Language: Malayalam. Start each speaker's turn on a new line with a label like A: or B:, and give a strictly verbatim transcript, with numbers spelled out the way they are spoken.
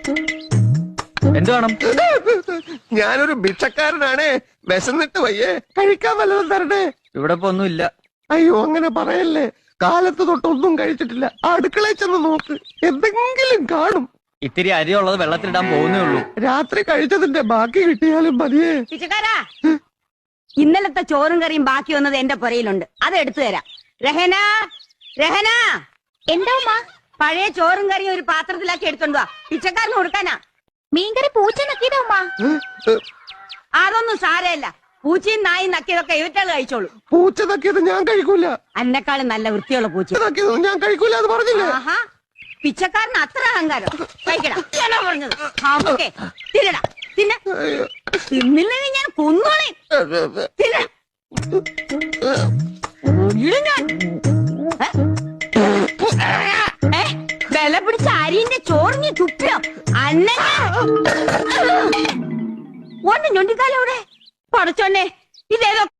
A: എന്ത് വേണം?
B: ഞാനൊരു ഭിക്ഷക്കാരനാണ്, വിശന്നിട്ട് വയ്യേ, കഴിക്കാൻ വല്ലതും തരണേ.
A: ഇവിടെ ഇപ്പൊ ഒന്നുമില്ല.
B: അയ്യോ അങ്ങനെ പറയല്ലേ, കാലത്ത് തൊട്ടൊന്നും കഴിച്ചിട്ടില്ല. അടുക്കളയിൽ ചെന്ന് നോക്ക്, എന്തെങ്കിലും കാണും.
A: ഇത്തിരി അരി ഉള്ളത് വെള്ളത്തിലിടാൻ പോകുന്നേ ഉള്ളൂ.
B: രാത്രി കഴിച്ചതിന്റെ ബാക്കി കിട്ടിയാലും മതിയേ.
C: പിച്ചക്കാരാ, ഇന്നലത്തെ ചോറും കറിയും ബാക്കി വന്നത് എന്റെ പുരയിലുണ്ട്, അത് എടുത്തു തരാം. രഹന, രഹന,
D: എന്താ ഉമ്മ?
C: പഴയ ചോറും കറിയും ഒരു പാത്രത്തിലാക്കി എടുത്തോണ്ട് വാ, പിച്ചക്കാരന് കൊടുക്കാനാ.
D: മീൻകറി പൂച്ച നക്കിയതാ ഉമ്മ.
C: അതൊന്നും സാരമില്ല, പൂച്ചയും നായും നക്കിയതൊക്കെ ഇവറ്റാള് കഴിച്ചോളൂ.
B: പൂച്ച തക്കിയത് ഞാൻ കഴിക്കൂല.
C: അന്നെക്കാളും നല്ല വൃത്തിയുള്ള പൂച്ച.
B: തക്കിയത് ഞാൻ കഴിക്കൂല എന്ന് പറഞ്ഞില്ലേ?
C: ആഹാ, പിച്ചക്കാരന് അത്ര അഹങ്കാരം. കഴിക്കടാ, ഞാനാ പറഞ്ഞത്. ഹാമൊക്കെ തിന്നടാ, തിന്ന. തിന്നില്ലെങ്കിൽ ഞാൻ കൊന്നോളെ. തിന്ന. ഞാൻ വില പിടിച്ച അരിന്റെ ചോറിഞ്ഞ് തുപ്പിയോ അന്നെ ഒന്ന് ഞൊണ്ടിക്കാലോടെ പടച്ചോന്നെ, ഇതേതോ